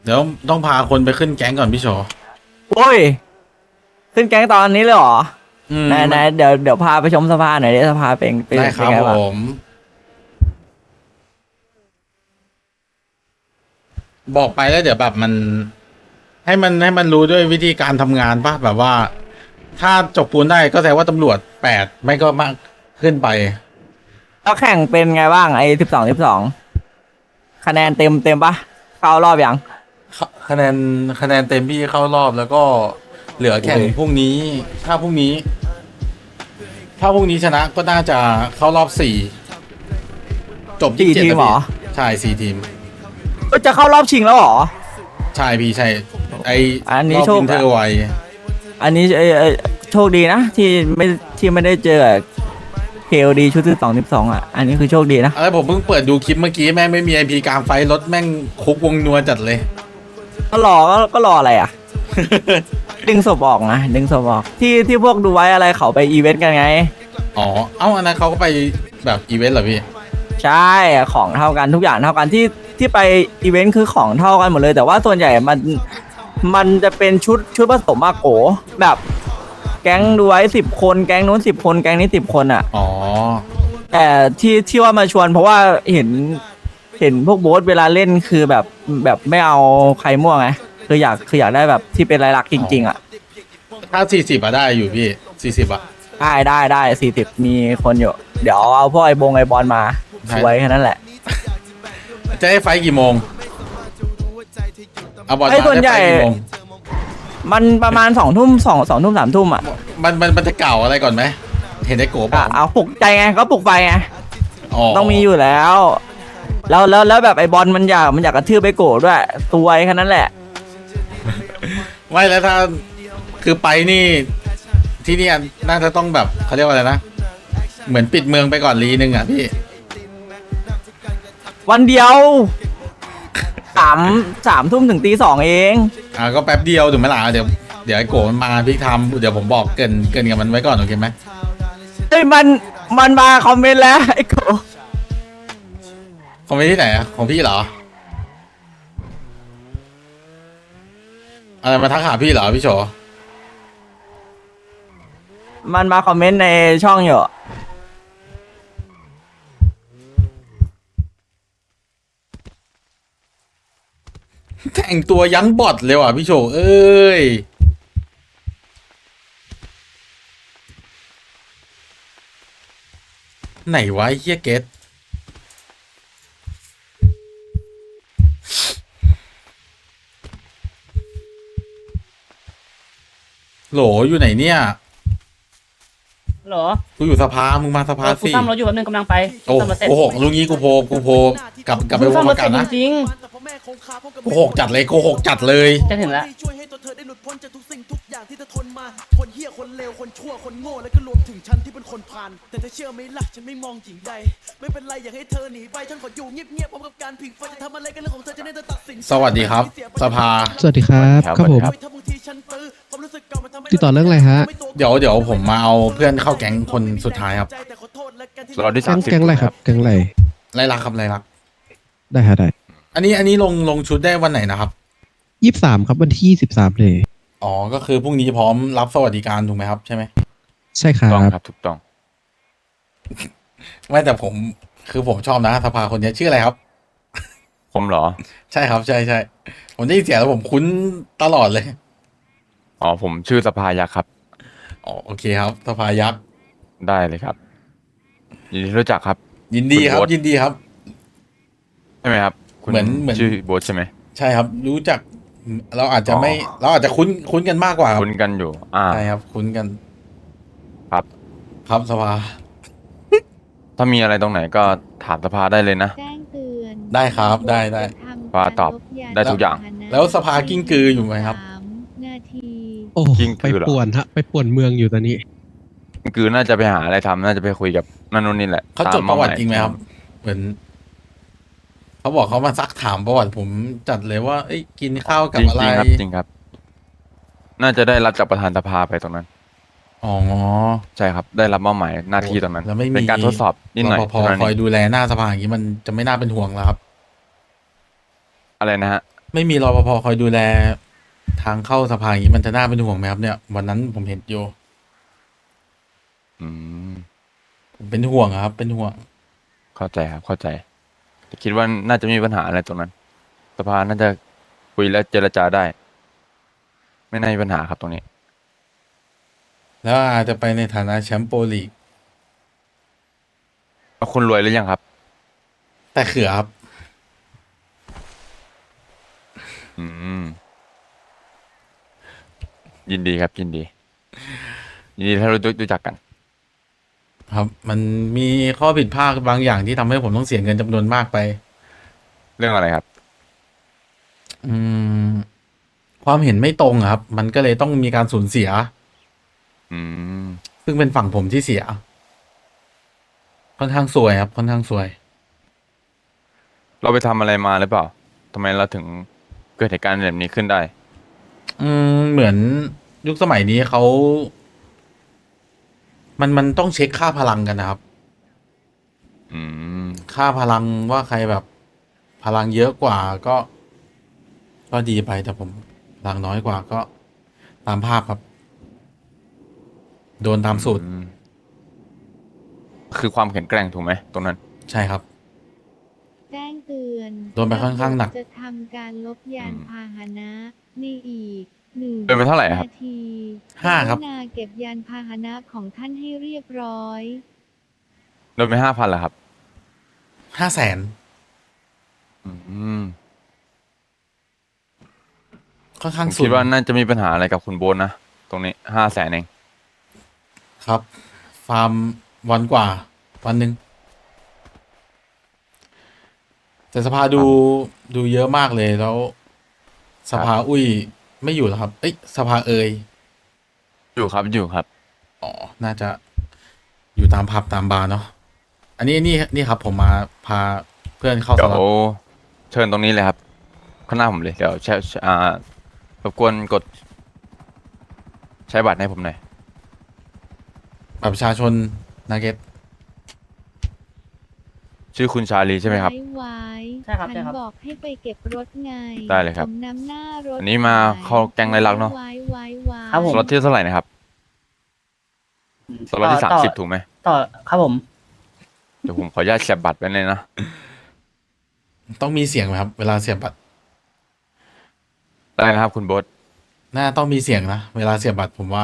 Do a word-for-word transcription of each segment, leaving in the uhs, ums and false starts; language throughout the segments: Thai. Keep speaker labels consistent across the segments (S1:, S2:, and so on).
S1: เดี๋ยวต้องพาคนไปขึ้นแก๊งก่อนพี่โช
S2: โอ้ยขึ้นแก๊งตอนนี้เลยเหรอ
S1: อืม
S2: ไหนไหนเดี๋ยวเดี๋ยวพาไปชมสภาหน่อยดิสภาเป็นเป็น
S1: ได้ค
S2: เป็น
S1: รับ
S2: ไง
S1: ผ
S2: บ้าง
S1: ม บอกไปแล้วเดี๋ยวแบบมัน ให้มันให้มันรู้ด้วยวิธีการทำงานป่ะแบบว่า ถ้าจบปูนได้ก็แสดงว่าตำรวจแปดไม่ก็มากขึ้นไป
S2: แล้วแข่งเป็นไงบ้างไอ้สิบสองสิบสองคะแนนเต็มเต็มปะเข้ารอบยัง
S1: คะแนนคะแนนเต็มพี่เข้ารอบแล้วก็เหลือแข่ง
S2: โอ้ย
S1: พรุ่งนี้ ถ้าพรุ่งนี้ ถ้าพรุ่งนี้ชนะก็น่าจะเข้ารอบสี่จบ
S2: สี่
S1: ยี่สิบเจ็ด
S2: ทีม
S1: นะ
S2: เหร
S1: พี่
S2: อ
S1: ใช่สี่ทีม
S2: เอ้ยจะเข้ารอบชิงแล้วเหรอ
S1: ใช่พี่ใช่ ไอ
S2: อันนี้
S1: รอบ
S2: โชค
S1: วินเทอร์ไว
S2: อันนี้เอ้ยเอ้ยโชคดีนะที่ไม่ที่ไม่ได้เจอเคโอดีชุดสิบสองสิบสองอ่ะอันนี้คือโชคดีนะ
S1: อะไรผมเพิ่งเปิดดูคลิปเมื่อกี้แม่งไม่มีไอพีกลางไฟรถแม่งคุกวงนัวจัดเลย
S2: ก็รอก็ก็รออะไรอ่ะ ดึงศพออกนะดึงศพออกที่ที่พวกดูไว้อะไรเขาไปอีเวนต์กันไง
S1: อ๋อ เอ้าอันนั้นเขาก็ไปแบบอีเวนต์เหรอพี่
S2: ใช่ของเท่ากันทุกอย่างเท่ากันที่ที่ไปอีเวนต์คือของเท่ากันหมดเลย แต่ว่าส่วนใหญ่มันมันจะเป็นชุดชุดผสมมาโกแบบแก๊งดูไว้สิบคนแก๊งนู้นสิบคนแก๊งนี้สิบคนอ่ะ
S1: อ๋อ
S2: แต่ที่ที่ว่ามาชวนเพราะว่าเห็นเห็นพวกโบ๊ทเวลาเล่นคือแบบแบบไม่เอาใครมั่วไงคืออยากคืออยากได้แบบที่เป็นรายลักษณ์จริงๆอ่ะ
S1: ถ้าสี่สิบอะได้อยู่พี่สี่สิบอะ
S2: ได้ได้ได้สี่สิบมีคนอยู่ เดี๋ยวเอาพวกไอ้บงไอ้บอลมา
S1: ได้
S2: สวยแค่นั้นแหละ
S1: จะให้ไฟท์กี่โมงเอาบอล
S2: ไอ้
S1: มา
S2: ส่วน
S1: ได้
S2: ใหญ่
S1: ไฟท์กี่โมง
S2: มันประมาณสองทุ่มสองสองทุ่มสามทุ่มอ่ะ
S1: มันมันมันจะเก่าอะไรก่อนไหม เห็นไอ้โกบ
S2: อ่ะ
S1: อก
S2: เอาปลุกใจไงก็ปลุกไฟไง
S1: อ๋อ
S2: ต้องมีอยู่แล้ว แล้วแล้วแล้วแบบไอ้บอลมันอยากมันอยากกระทืบไปโกรธด้วยสวยแค่นั้นแหละ
S1: ไม่แล้วถ้าคือไปนี่ ที่นี่น่าจะต้องแบบเขาเรียกว่าอะไรนะ เหมือนปิดเมืองไปก่อนรีนึงอ่ะพี่
S2: วันเดียวสามสามทุ่มถึงตีสองเอง
S1: อ่าก็แป๊บเดียวถูกไหมล่ะเดี๋ยวเดี๋ยวไอ้โกมันมาพี่ทำเดี๋ยวผมบอกเกินเกินกับมันไว้ก่อนโอเคไหม
S2: เฮ้ยมันมันมาคอมเมนต์แล้วไอ้โก
S1: ของไปที่ไหนอะของพี่เหรออะไรมาทักหาพี่เหรอพี่โฉ
S2: มันมาคอมเมนต์ในช่องอยู่
S1: แต่งตัวยั้งบอดเลยว่ะพี่โฉเอ้ยไหนวะไอ้เฮียเกตโหลอยู่ไหนเนี่ย
S3: เหรอ
S1: กูอยู่สภามึงมาสภา
S3: เออกู
S1: สิ
S3: ซ่อมรถอยู่แป๊บนึงกำลังไป
S1: โอ้
S3: ซ่อมรถเสร็จ
S1: โหกลุงงี้กูโพกูโพกลับกลับไป
S3: กู
S1: ว
S3: ซ่อง ม
S1: ป
S3: รถ
S1: ระ
S3: เส
S1: กั
S3: ร็
S1: น
S3: จ
S1: นะ
S3: จริง
S1: โกหกจัดเลยโกหกจัดเลย
S3: ๆจะถึงแล้ว
S4: ช่วยให้ตัวเธอได้หลุดพ้นจากทุกสิ่งทุกอย่างที่เธอทนมา คนเหี้ยคนเลวคนชั่วคนโง่และก็รวมถึงฉันที่เป็นคนผ่าน แต่เธอเชื่อไหมล่ะฉันไม่มองหญิงใด ไม่เป็นไรอยากให้เธอหนีไปฉันขออยู่เงียบๆพร้อมกับการผิงไฟจะทำอะไรกันเรื่องของเธอจะได้เธอตัดสินใจ
S1: สวัสดีครับ สภา
S5: สวัสดีครับครับผม
S4: ถ้าบางทีฉันตื้อความรู้สึกเก่ามันทำให้
S5: ติดต่อเรื่องอะไรฮะ
S1: เดี๋ยวเดี๋ยวผมมาเอาเพื่อนเข้าแก๊งคนสุดท้ายครับ
S4: แต่ขอโทษและกันที่
S6: เราได้
S5: แก๊
S6: สาง มสิบ
S5: แก๊งอะไรครับแก๊งอะไร
S1: ไรลักครับไรลัก
S5: ได้ฮะได้
S1: อันนี้อันนี้ลงลงชุดได้วันไหนนะครับ
S5: ยี่สิบสามครับวันที่ยี่สิบสามเลย
S1: อ๋อ ก็คือพรุ่งนี้พร้อมรับสวัสดิการถูกไหมครับใช่ไหม
S5: ใช่ครั
S6: ต้อง
S5: บ
S6: ครับถูกต้อง
S1: ไม่แต่ผมคือผมชอบนะสภาคนนี้ชื่ออะไรครับ
S6: ผมเหรอ
S1: ใช่ครับใช่ใช่ผมได้ยินเสียงแล้วผมคุ้นตลอดเลย
S6: อ๋อ ผมชื่อสภายักษ์ครับ
S1: อ๋อโอเคครับสภายักษ์
S6: ได้เลยครับยินดีที่รู้จักครับ
S1: ยินดีครับ
S6: คุณโบ๊ท
S1: ยินดีครับ
S6: ใช่ไหมครับคุณ
S1: เหมือนเหมือน
S6: ชื่อโบ๊ทใช่ไหม
S1: ใช่ครับ รู้จัก เราอาจจะไม่
S6: อ๋อ
S1: เราอาจจะคุ้นคุ้นกันมากกว่าครับ
S6: คุ้นกันอยู่ อ่า
S1: ใช่ครับ คุ้นกัน
S6: ครับ
S1: ครับสภา
S6: ถ้ามีอะไรตรงไหนก็ถามสภาได้เลยนะ
S7: แจ้งเตือน
S1: ได้ครับได้ได้
S6: ว่าตอบได้ทุกอย่าง
S1: แล้วสภากิ้งกืออยู่ไหมครับ
S7: สามนาที
S5: โอ้
S6: จริง
S5: ไป
S6: คือเหรอ
S5: ป่วนฮะไปป่วนเมืองอยู่ตอนนี้
S6: คือน่าจะไปหาอะไรทำน่าจะไปคุยกับนั่นนู่นนี่แหละ
S1: เขาจด
S6: ตม
S1: ประวัติ
S6: เาาย
S1: จริงไหมครับ เหมือนเขาบอกเขามาซักถามประวัติผมจัดเลยว่า เอ้ยกินข้าวกับ
S6: จริง
S1: อะไร
S6: จริงครับจริงครับ น่าจะได้รับจากประธานสภาไปตรงนั้น
S1: อ๋อ
S6: ใช่ครับ ได้รับมอบหมายหน้าที่ตรงนั้น
S1: แล้วไม่มี
S6: เป็นการทดสอบนิดหน่อย
S1: รปภ
S6: เท่านั้น
S1: คอย
S6: เอง
S1: ดูแลหน้าสภาอย่างนี้มันจะไม่น่าเป็นห่วงแล้วครับ
S6: อะไรนะฮะ
S1: ไม่มีรปภคอยดูแลทางเข้าสภาอย่างนี้มันจะน่าเป็นห่วงไหมครับเนี่ยวันนั้นผมเห็นอยู่
S6: อืม
S1: ผมเป็นห่วงอะครับ เป็นห่วง
S6: เข้าใจครับ เข้าใจแต่คิดว่าน่าจะไม่มีปัญหาอะไรตรงนั้น สภาน่าจะคุยและเจรจาได้ ไม่น่ามีปัญหาครับตรงนี้
S1: แล้วอาจจะไปในฐานะแชมป์โปรลีก
S6: แล้วคุณรวยหรือยังครับ
S1: แต่เขือครับ
S6: อืม ยินดีครับ ยินดี ยินดีถ้ารู้รู้จักกัน
S1: ครับ มันมีข้อผิดพลาดบางอย่างที่ทำให้ผมต้องเสียเงินจำนวนมากไป
S6: เรื่องอะไรครับ
S1: อืม ความเห็นไม่ตรงอะครับ มันก็เลยต้องมีการสูญเสีย
S6: อืม
S1: ซึ่งเป็นฝั่งผมที่เสีย ค่อนข้างซวยครับ ค่อนข้างซวย
S6: เราไปทำอะไรมาหรือเปล่าทำไมเราถึงเกิดเหตุการณ์แบบนี้ขึ้นได้
S1: อืม เหมือนยุคสมัยนี้เขา มันมันต้องเช็คค่าพลังกันนะครับ
S6: อืม
S1: ค่าพลังว่าใครแบบพลังเยอะกว่าก็ ก็ดีไปแต่ผมพลังน้อยกว่าก็ตามภาพครับ โดนตามสูตร
S6: อืม คือความแข็งแกร่งถูกไหมตรงนั้น
S1: ใช่ครับ
S7: แจ้งเตือน
S1: โดนไปค่อนข้างหนัก
S7: จะทำการลบยาน
S6: อืม
S7: พาหนะในอีกหนึ่ง
S6: โดนไปเท่าไหร่ครับ
S7: นาที
S1: ห้าครับ
S7: กรุณาเก็บยานพาหนะของท่านให้เรียบร้อย
S6: โดนไปห้าพันเหรอครับ
S1: ห้าแสน
S6: อืม
S1: ค่อน
S6: ผ
S1: ข้าง
S6: ม
S1: สู
S6: คิด
S1: ง
S6: ว่าน่าจะมีปัญหาอะไรกับคุณโบนนะ ตรงนี้ห้าแสนเอง
S1: ครับ ฟาร์มวันกว่า วันหนึ่งแต่สภาดูดูเยอะมากเลยแล้ว สภาอุ้ยไม่อยู่แล้วครับ เอ้ยสภาเอย
S6: อยู่ครับ อยู่ครับ
S1: อ๋อ น่าจะอยู่ตามผับตามบาร์เนาะ อันนี้นี่นี่ครับ ผมมาพาเพื่อนเข้า
S6: เดี๋
S1: ส
S6: ยว
S1: ล็อต
S6: เชิญตรงนี้เลยครับ ข้างหน้าผมเลย เดี๋ยวแชร์อ่ารบกวนกด ใช้บัตรให้ผมหน่อย
S1: บัตรประชาชนนาเกต
S6: ชื่อคุณชาลีใช่ไหมครับ
S7: ไว้ไว้
S3: ใช่ครับ
S7: ฉั
S3: ใช่
S7: น
S3: ครับ
S7: บอกให้ไปเก็บรถไง
S6: ได้เลยครับ
S7: ผมนำหน้ารถ
S6: อันนี้มาเข้าแก๊งไรลักษณ์เนอะ
S7: ไว้ไว้ไว้
S3: ครับผม
S6: สล็อตที่เท่าไหร่นะครับ สล็อตที่
S3: ต่
S6: สาม
S3: ต่
S6: สิบถูกไหม
S3: ต่อครับผม
S6: เดี๋ยวผมขออนุญาตแคปบัตรไว้เลยนะ
S1: ต้องมีเสียงไหมครับ เวลาเสียบบัตร
S6: ได้นะครับคุณโบท
S1: น่าต้องมีเสียงนะ เวลาเสียบบัตรผมว่า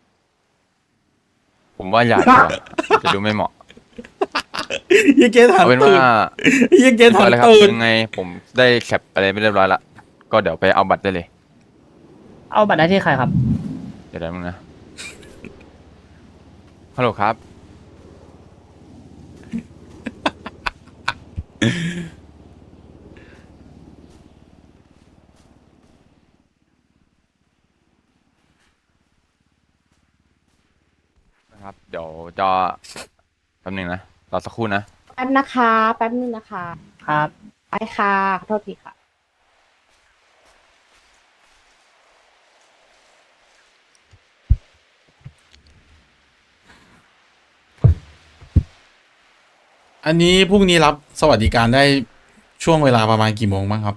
S6: ผมว่าอย่าดีกว่า จะดูไม่เหมาะ
S1: ยี่เกตหัน
S6: เอาเป็น
S1: ตื่
S6: ว่าน
S1: ยี่เกตหัน
S6: เอาเลยครับ
S1: ตื่น
S6: ยังไงผมได้แคปอะไรไม่เรียบร้อยละ ก็เดี๋ยวไปเอาบัตรได้เลย
S3: เอาบัตรได้ที่ใครครับ
S6: เดี๋ยวได้มึงนะ ฮัลโหลครับ นะครับ เดี๋ยวจะแป๊บหนึงนะ รอสักครู่นะ
S8: แป๊บนะคะ แป๊บนึงนะคะ
S3: ครับ
S8: ไปค่ะขอโทษทีค่ะ
S1: อันนี้พรุ่งนี้รับสวัสดิการได้ช่วงเวลาประมาณกี่โมงบ้างครับ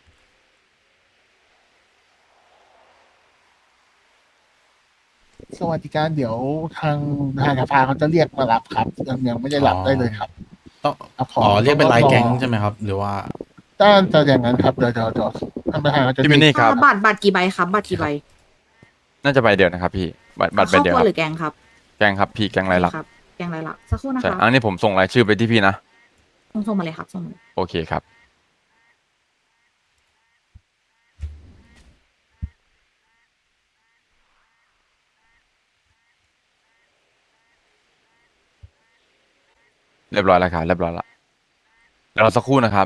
S9: สวัสดิการเดี๋ยวทางทางสภาเขาจะเรียกมารับครับยังยังไม่ได้รับได้เลยครับ
S1: ต้อง
S9: ครับข
S1: อ๋อเรียกเป็นรายแก๊ง
S9: ต้องรอ
S1: ใช่ไหมครับ หรือว่า
S9: ด้านจะอย่างนั้นครับเดี๋ยวเดี๋ยวเดี๋ยวท่านประธานเขาจะ
S6: พี่มินนี่ครับ
S8: บัตรบัตรกี่ใบครับ บัตรกี่ใบ
S6: น่าจะใบเดียวนะครับพี่ บัตรบัตรใบ
S8: ครอบ
S6: เดียว
S8: ครั
S6: คว รับ
S8: หรือแกงครับ
S6: แกงครับพี่แกงไรลักษณ์
S8: ครับ แกงไรลักษณ์สักครู่นะ
S6: ใช่
S8: คะ
S6: อันนี้ผมส่งรายชื่อไปที่พี่นะ
S8: ส่งส่งมาเลยครับส่งมาเลย
S6: โอเคครับ เรียบร้อยแล้วครับเรียบร้อยแล้วเดี๋ยวรอสักครู่นะครับ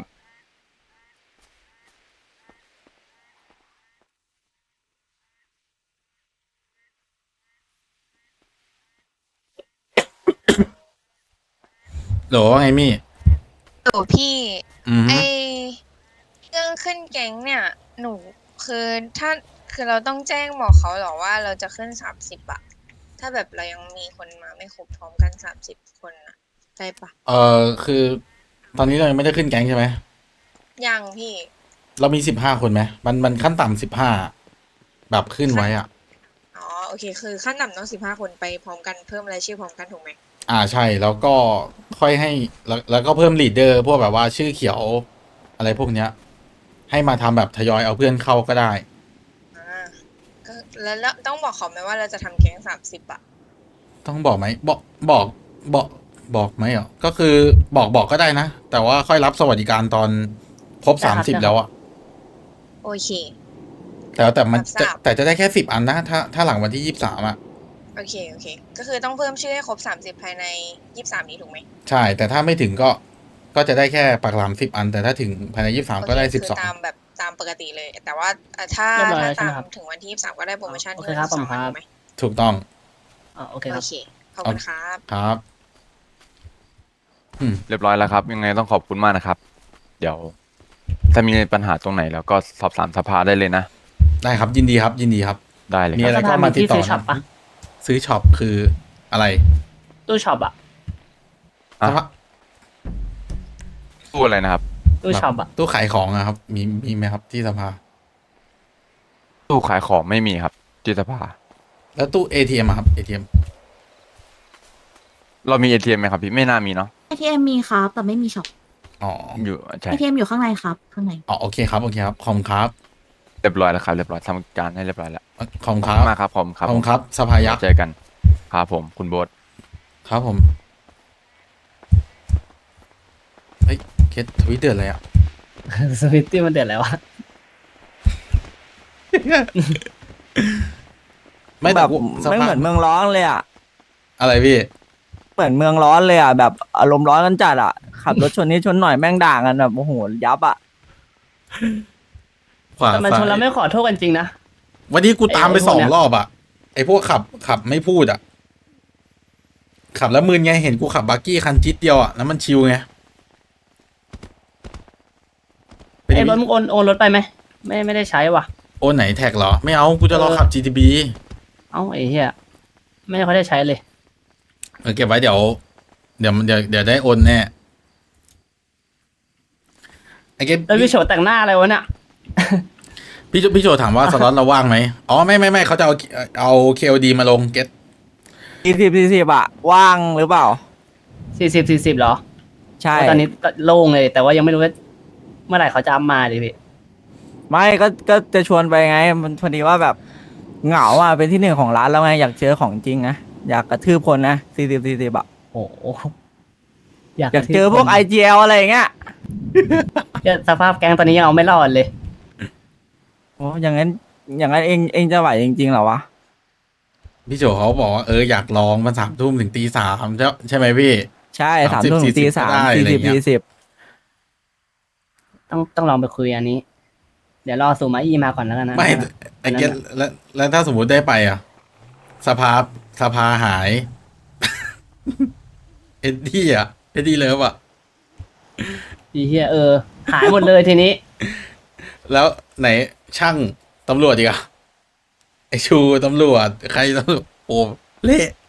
S1: หรอไงมี่
S10: โอ้พี่
S1: อืม
S10: ไอเรื่องขึ้นแก๊งเนี่ย หนูคือถ้าคือเราต้องแจ้งบอกเขาเหรอว่าเราจะขึ้นสามสิบอะถ้าแบบเรายังมีคนมาไม่ครบพร้อมกันสามสิบคนอะได้ปะ
S1: เออคือ ตอนนี้เรายังไม่ได้ขึ้นแก๊งใช่ไหม
S10: ยังพี่
S1: เรามีสิบห้าคนไหมมันมันขั้นต่ำสิบห้าแบบขึ้นไว้อ่ะ
S10: อ๋อโอเค คือขั้นต่ำต้องสิบห้าคนไปพร้อมกันเพิ่มรายชื่อพร้อมกันถูกไหม
S1: อ่าใช่แล้วก็ค่อยให้แล้วแล้วก็เพิ่มลีดเดอร์พวกแบบว่าชื่อเขียวอะไรพวกเนี้ย ให้มาทำแบบทยอยเอาเพื่อนเข้าก็ได้
S10: อ่าก็แล้วแล้วต้องบอกเขาไหมว่าเราจะทำแก๊งสามสิบอะ
S1: ต้องบอกไหมบอกบอกบอกบอกไหมเหรอก็คือบอกบอกก็ได้นะ แต่ว่าค่อยรับสวัสดิการตอนครบ
S3: ได้
S1: สาม
S3: ครับ
S1: สิบ
S3: ได้ครับ
S1: แล้วอะ
S10: โอเค
S1: แต่แต่มัน
S10: รับท
S1: จะ
S10: ราบ
S1: แต่จะได้แค่สิบอันนะถ้าถ้าหลังวันที่ยี่สิบสามอะ
S10: โอเคโอเค ก็คือต้องเพิ่มชื่อให้ครบสามสิบภายในยี่สิบสามนี้ถูกไหม
S1: ใช่ แต่ถ้าไม่ถึงก็ก็จะได้แค่ปากหลามสิบอัน แต่ถ้าถึงภายในยี่สิบสาม
S10: โอเค
S1: ก็ได้สิบ
S10: คื
S1: สอง
S10: ตามแบบตามปกติเลย แต่ว่าเอ่อถ้า
S3: เรียบร้อย
S10: ถ้า
S3: แล้วใช่
S10: ตา
S3: ไหม
S10: ม
S3: ครับ
S10: ถึงวันที่ยี่สิบสามก็ได้โปรโมชั่น
S3: โอเค
S10: ที่
S3: ครับ
S10: สอง
S3: ผมครับ
S10: ถูกไหม
S1: ถูกต้อง
S3: อ่าโอเค
S10: โอ
S3: ครับ
S10: เคขอบคุณครับ
S1: ครับ อืม
S6: เรียบร้อยแล้วครับ ยังไงต้องขอบคุณมากนะครับ เดี๋ยว ถ้ามีปัญหาตรงไหนแล้วก็สอบถามสภาได้เลยนะ
S1: ได้ครับยินดีครับ ยินดีครับ
S6: ได้เลย
S1: มี
S6: ค
S1: อะไร
S6: รับ
S1: ก็มาติดต่อ
S3: ซื้อช็อปปะ
S1: ซื้อช็อปคืออะไร
S3: ตู้ช็อปอะ
S6: อ่ะ
S1: สภา
S6: ตู้อะไรนะครับ
S3: ตู้ช็อปอะ
S1: ตู้ขายของอะครับ มีมีไหมครับที่สภา
S6: ตู้ขายของไม่มีครับที่สภา
S1: แล้วตู้ เอ ที เอ็ม อะครับ เอ ที เอ็ม
S6: เรามี เอ ที เอ็ม ไหมครับพี่ไม่น่ามีเนาะ
S8: เอ ที เอ็ม มีครับแต่ไม่มีช็อป
S1: อ๋อ
S6: อยู่ใช่
S8: เอ ที เอ็ม อยู่ข้างในครับข้างใน
S1: อ๋อโอเคครับโอเคครับขอบคุณครับ
S6: เรียบร้อยแล้วครับเรียบร้อยทำการให้เรียบร้อยแล้ว
S1: ขอบคุณ
S6: ข
S1: ค
S6: อบ
S1: รับ
S6: คุณมากครับผมค
S1: ข
S6: รั
S1: อ
S6: บบ
S1: คุณครับสภายักษ์
S6: เจอกันครับผมคุณโบ๊ท
S1: ครับผมเฮ้ยเคสทวิตเดือดอะไรอ่ะ
S3: สวิตตี้มันเดือดแล้วอะ
S1: ไม่
S2: แบ
S1: แต่
S2: บ
S1: กูส
S2: ไม่
S1: ภา
S2: เหมือนเมืองร้อนเลยอ่ะ
S1: อะไรพี่
S2: เหมือนเมืองร้อนเลยอ่ะแบบอารมณ์ร้อนกันจัดอ่ะขับรถชนนี้ชนหน่อยแม่งด่ากันแบบโอ้โหยับอ่ะ
S1: ขวา
S3: แต่มันชนแล้วไม่ขอโทษกันจริงนะ
S1: วันนี้กูตามไป
S3: ไอ้พวก
S1: สอง
S3: เนี้ย
S1: รอบอ่ะไอพวกขับขับไม่พูดอ่ะ ขับแล้วมืนไงเห็นกูขับบักกี้คันจิตเดียวอ่ะแล้วมันชิวไงเป็น
S3: ไอ้รถมึงโอนโอนรถไปไหมไม่ไม่ได้ใช้ว่ะ
S1: โอนไหนแท็กเหรอ ไม่เอากูจะรอ
S3: เออ
S1: ขับ จี ที บี
S3: เอ้าไอ้เหี้ยไม่ค่อยได้ใช้เลย
S1: เออเก็บไว้เดี๋ยว เดี๋ยวเดี๋ยวเดี๋ยวได้โอนแน่ไอเก็บ
S3: แล้วพี่โฉดแต่งหน้าอะไรวะเนี่ย
S1: พี่โจพี่โจถามว่าสล็อตเราว่างไหมอ๋อไม่ไม่ไม่เขาจะเอาเอาเคโอดีมาลงเก็ต
S2: สี่สิบสี่สิบอะว่างหรือเปล่า
S3: สี่สิบสี่สิบเหรอ
S2: ใช่
S3: ตอนนี้โล่งเลย แต่ว่ายังไม่รู้ว่าเมื่อไหร่เขาจะอัพมาดิพี่
S2: ไม่ก็ก็จะชวนไปไง มันพอดีว่าแบบเหงาอ่ะเป็นที่หนึ่งของร้านแล้วไงอยากเจอของจริงนะอยากกระทืบคนนะสี่สิบสี่สิบอะ
S3: โอ้โหอยาก
S2: อยากเจอพวก ไอ จี แอล อะไรอย่างเงี้ย
S3: เนี่ยสภาพแก๊งตอนนี้ยังเอาไม่รอดเลย
S2: โอ้อย่างนั้นอย่างนั้นเองเองจะไหวจริงๆเหรอวะ
S1: พี่โจเขาบอกว่าเอออยากลองมันสามทุ่มถึงตีสามใช่ใช่ไหมพี่
S2: ใช่สาม
S1: สามสิบ
S2: ทุ่มถึงตี
S1: สี่สิบ
S2: สาม
S1: ก็ได้
S2: สี่
S1: อะไร
S2: สิบ
S1: เงี้ย
S2: สี่สิบ
S3: ต้องต้องลองไปคุยอันนี้ เดี๋ยวรอสูมาอีมาก่อนแล้วกันนะ
S1: ไม่ไอเก็ตแล้วแล้วถ้าสมมติได้ไปอ่ะ สภาสภาหาย เอ็ดดี้อ่ะเอ็ดดี้เลิฟอ่ะ
S3: อีเฮียเออ หายหมดเลยทีนี้
S1: แล้วไหนช่างตำรวจอีกอ่ะไอชูตำรวจใครตำรวจโอ้เละ